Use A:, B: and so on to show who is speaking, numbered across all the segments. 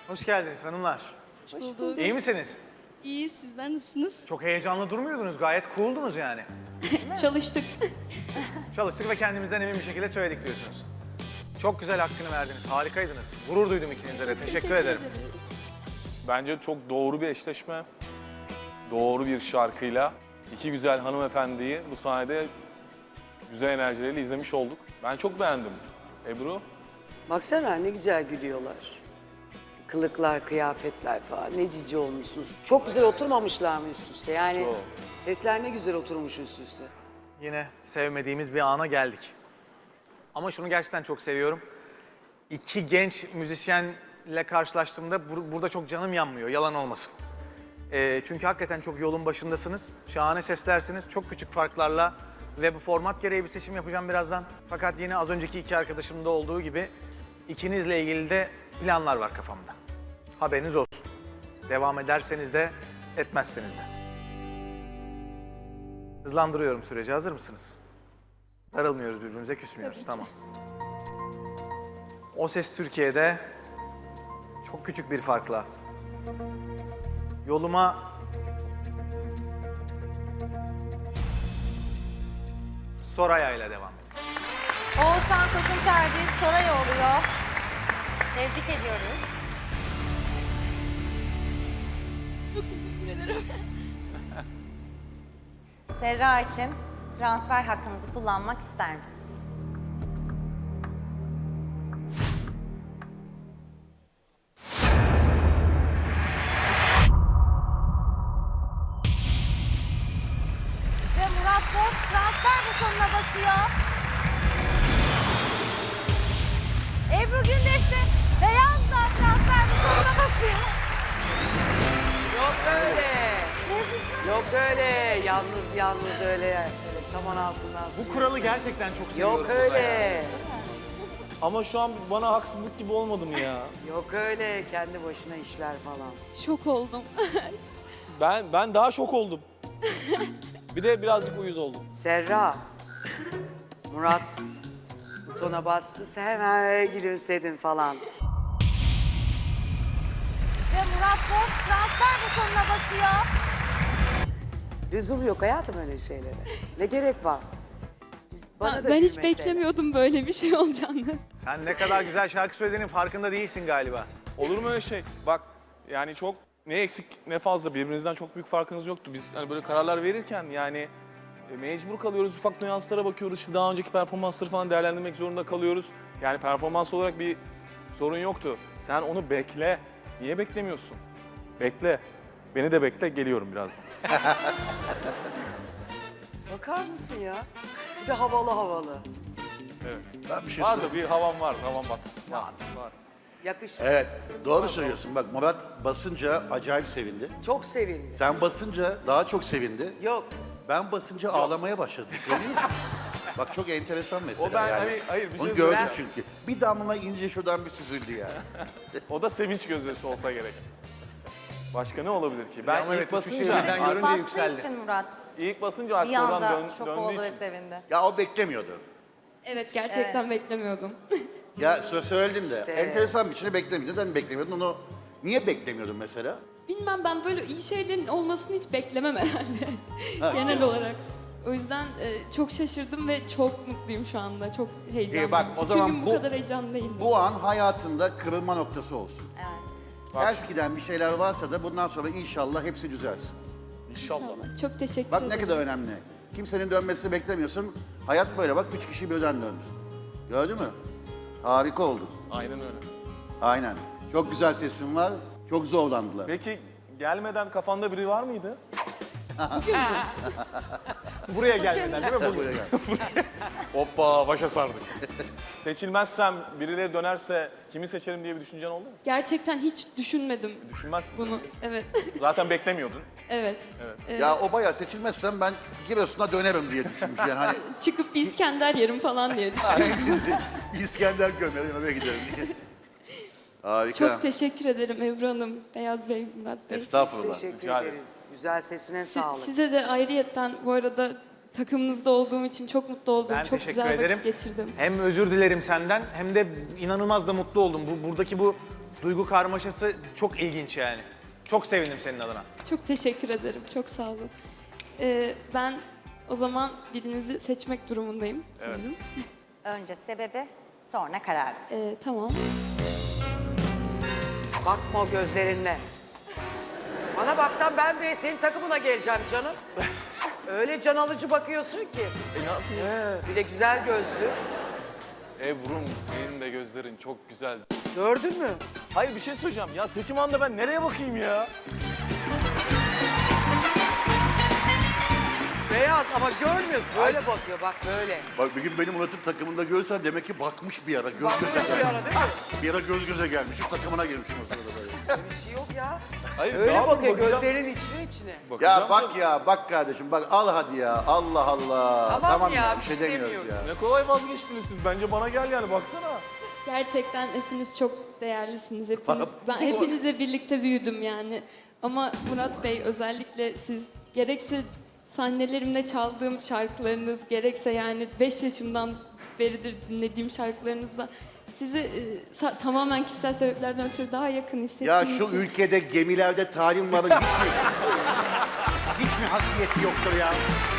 A: Hoş geldiniz hanımlar.
B: Hoş bulduk.
A: İyi misiniz?
B: İyi, sizler nasılsınız?
A: Çok heyecanlı durmuyordunuz. Gayet cool'dunuz yani.
B: Çalıştık.
A: Çalıştık ve kendimizden emin bir şekilde söyledik diyorsunuz. Çok güzel hakkını verdiniz. Harikaydınız. Gurur duydum ikinize de. Teşekkür ederim.
B: ederiz.
C: Bence çok doğru bir eşleşme. Doğru bir şarkıyla iki güzel hanımefendiyi bu sahnede güzel enerjileriyle izlemiş olduk. Ben çok beğendim. Ebru,
D: Baksana ne güzel gülüyorlar. Kılıklar, kıyafetler falan ne cici olmuşsunuz. Çok güzel oturmamışlar mı üst üste? Yani
C: Çok.
D: sesler ne güzel oturmuş üst üste.
A: Yine sevmediğimiz bir ana geldik. Ama şunu gerçekten çok seviyorum. İki genç müzisyenle karşılaştığımda burada çok canım yanmıyor. Yalan olmasın. Çünkü hakikaten çok yolun başındasınız. Şahane seslersiniz. Çok küçük farklarla ve bu format gereği bir seçim yapacağım birazdan. Fakat yine az önceki iki arkadaşımda olduğu gibi ikinizle ilgili de planlar var kafamda. Haberiniz olsun. Devam ederseniz de etmezseniz de. Hızlandırıyorum süreci. Hazır mısınız? Darılmıyoruz birbirimize, küsmüyoruz. Tamam. O Ses Türkiye'de çok küçük bir farkla yoluma Soraya ile devam ediyorum.
E: Oğuzhan Koç'un tercihi Soraya oluyor. Tebrik ediyoruz.
B: Çok teşekkür ederim.
E: Serra için transfer hakkınızı kullanmak ister misiniz? Ve Murat Boz transfer butonuna basıyor. Ebru Gündeş de beyaz da transfer butonuna basıyor.
D: Yok öyle. Yok öyle. Yalnız öyle saman altından su.
A: Bu kuralı gerçekten çok seviyorum.
D: Yok öyle.
C: ama şu an bana haksızlık gibi olmadı mı ya?
D: Yok öyle. Kendi başına işler falan.
B: Şok oldum.
C: Ben daha şok oldum. Bir de birazcık uyuz oldum.
D: Serra. Murat butona bastı. Sen hemen gülümsedin falan.
E: Ve Murat Boz transfer butonuna basıyor.
D: Lüzum yok hayatım öyle şeylere. Ne gerek var? Bana da
B: Ben hiç
D: gülmesene.
B: beklemiyordum böyle bir şey olacağını.
A: Sen ne kadar güzel şarkı söylediğinin farkında değilsin galiba.
C: Olur mu öyle şey? Bak yani çok ne eksik ne fazla birbirinizden çok büyük farkınız yoktu. Biz hani böyle kararlar verirken yani mecbur kalıyoruz. Ufak nüanslara bakıyoruz. İşte daha önceki performansları falan değerlendirmek zorunda kalıyoruz. Yani performans olarak bir sorun yoktu. Sen onu bekle. Niye beklemiyorsun? Bekle. Beni de bekle. Geliyorum birazdan.
D: Bakar mısın ya? Bir de havalı.
C: Evet.
F: Ben bir şey
C: Var
F: söyleyeyim.
C: da bir havam var. Havam batsın. Var.
D: Yakışır.
F: Evet, doğru söylüyorsun. Bak Murat basınca acayip sevindi.
D: Çok sevindi.
F: Sen basınca daha çok sevindi.
D: Yok.
F: Ben basınca ağlamaya başladım. Görüyor musun? Bak çok enteresan mesela
C: O ben
F: yani.
C: hani- hayır, bir şey
F: Onu gördüm
C: söyleyeceğim.
F: çünkü. Bir damla ince şuradan bir süzüldü ya.
C: O da sevinç gözyaşı olsa gerek. Başka ne olabilir ki? Ben
A: Ama evet,
C: ilk
A: bu şeyi
C: basınca,
A: birden görünce
E: Bastığı
A: yükseldi.
E: için Murat
C: ilk basınca
E: bir
C: artık oradan
E: anda şok
C: döndüğü
E: oldu ve
C: için.
E: sevindi.
F: Ya o beklemiyordu.
B: Evet, gerçekten beklemiyordum.
F: Ya söyledin de
D: İşte.
F: enteresan bir şey beklemiyordun. Neden beklemiyordun onu? Niye beklemiyordun mesela?
B: Bilmem, ben böyle iyi şeylerin olmasını hiç beklemem herhalde. Genel olarak. O yüzden çok şaşırdım ve çok mutluyum şu anda. Çok heyecanlıyım.
F: bak, o zaman
B: Çünkü bu kadar heyecanlı değildim.
F: Bu an hayatında kırılma noktası olsun.
E: Evet.
F: Ters giden bir şeyler varsa da bundan sonra inşallah hepsi düzelsin.
C: İnşallah.
B: Çok teşekkür
F: Bak
B: ederim.
F: ne kadar önemli. Kimsenin dönmesini beklemiyorsun. Hayat böyle bak 3 kişi birden döndü. Gördün mü? Harika oldu.
C: Aynen öyle.
F: Aynen. Çok güzel sesin var. Çok zorlandılar.
C: Peki gelmeden kafanda biri var mıydı?
A: Buraya gelmeden değil mi?
F: Buraya gel.
C: Hoppa başa sardık. Seçilmezsem birileri dönerse kimi seçerim diye bir düşüncen oldu mu?
B: Gerçekten hiç düşünmedim
C: Düşünmezsin.
B: bunu. Evet.
C: Zaten beklemiyordun.
B: Evet.
F: Ya o bayağı seçilmezsem ben Giresun'a dönerim diye düşünmüş yani hani
B: Çıkıp bir İskender yerim falan diye düşündüm.
F: bir İskender gömerim eve giderim diye. Harika.
B: Çok teşekkür ederim Ebru Hanım, Beyaz Bey, Murat Bey.
F: Estağfurullah.
D: Teşekkür
C: Rica
D: ederiz. Güzel sesine sağlık.
B: Size de ayrıyetten bu arada takımınızda olduğum için çok mutlu oldum.
A: Ben
B: çok
A: teşekkür
B: güzel
A: ederim.
B: vakit geçirdim.
A: Hem özür dilerim senden hem de inanılmaz da mutlu oldum. Buradaki bu duygu karmaşası çok ilginç yani. Çok sevindim senin adına.
B: Çok teşekkür ederim. Çok sağ olun. Ben o zaman birinizi seçmek durumundayım sanırım.
E: Önce sebebi, sonra karar.
B: Tamam.
D: Bakma o gözlerinle. Bana baksan ben bile senin takımına geleceğim canım. Öyle can alıcı bakıyorsun ki.
C: Ne yapayım?
D: Bir de güzel gözlü.
C: Ebru'm senin de gözlerin çok güzel.
D: Gördün mü?
C: Hayır bir şey söyleyeceğim. Ya seçim anında ben nereye bakayım ya?
D: Beyaz ama görmüyorsun. Böyle bakıyor bak böyle.
F: Bak bir gün benim Murat'ın takımında görsen demek ki bakmış bir ara. Göz göze
D: Bakmış bir
F: gelmiş.
D: ara değil mi?
F: Bir ara göz göze gelmişim, takımına girmişim o sırada böyle.
D: Bir şey yok ya.
C: Hayır
D: Öyle
C: ne yapayım,
D: bakıyor
C: bakacağım.
D: gözlerinin içine.
C: Bakacağım
F: Ya bak
C: tabii.
F: ya, bak kardeşim bak al hadi ya. Allah Allah.
D: Tamam ya,
F: bir
D: bir
F: şey
D: şey
F: demiyoruz
D: demiyoruz.
F: ya.
C: Ne kolay vazgeçtiniz siz. Bence bana gel yani baksana.
B: Gerçekten hepiniz çok değerlisiniz. Ben hepinizle birlikte büyüdüm yani. Ama Murat Bey özellikle siz gerekse sahnelerimde çaldığım şarkılarınız, gerekse yani 5 yaşımdan beridir dinlediğim şarkılarınızla sizi tamamen kişisel sebeplerden ötürü daha yakın hissettiğim
F: Ya şu
B: için.
F: ülkede gemilerde talimların hiç mi hasiyeti yoktur ya?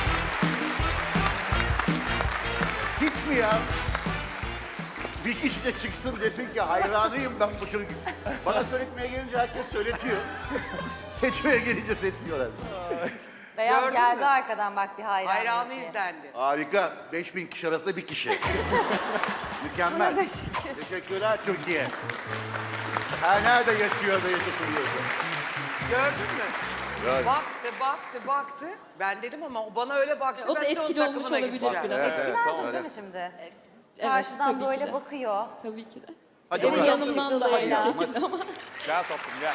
F: Hiç mi ya? Bir kişi de çıksın desin ki hayranıyım ben bu çocuk. Bana söyletmeye gelince herkes söyletiyor. Seçmeye gelince seçmiyorlar.
E: Beyaz
D: Gördün
E: geldi
D: mü?
E: arkadan bak bir hayran.
D: Hayranı
E: diye.
D: izlendi.
F: Harika. 5000 kişi arasında bir kişi. Mükemmel.
E: Buna da şükür.
F: Teşekkürler Türkiye. Her nerede yaşıyor da yaşatılıyorsa.
D: Gördün mü?
F: Gördüm.
D: Baktı. Ben dedim ama o bana öyle baksa
B: O da
D: ben de onun
B: etkili olmuş
D: takımına
B: olabilir
D: gideceğim.
B: biraz.
E: Etkilendin değil mi şimdi?
B: Evet,
E: Karşıdan
B: tabii ki
E: böyle
B: de.
E: bakıyor.
B: Tabii ki de.
F: Hadi
B: Benim
F: bakalım.
B: yanımdan da aynı
E: Hadi.
B: şekilde ama.
C: Gel tatlım gel.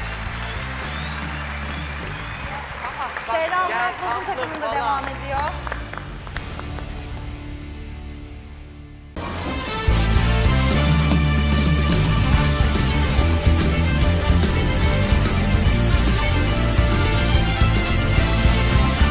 E: Seyran
D: Gel,
E: Murat Boz'un
D: tatlım
E: takımında
D: falan.
E: devam ediyor.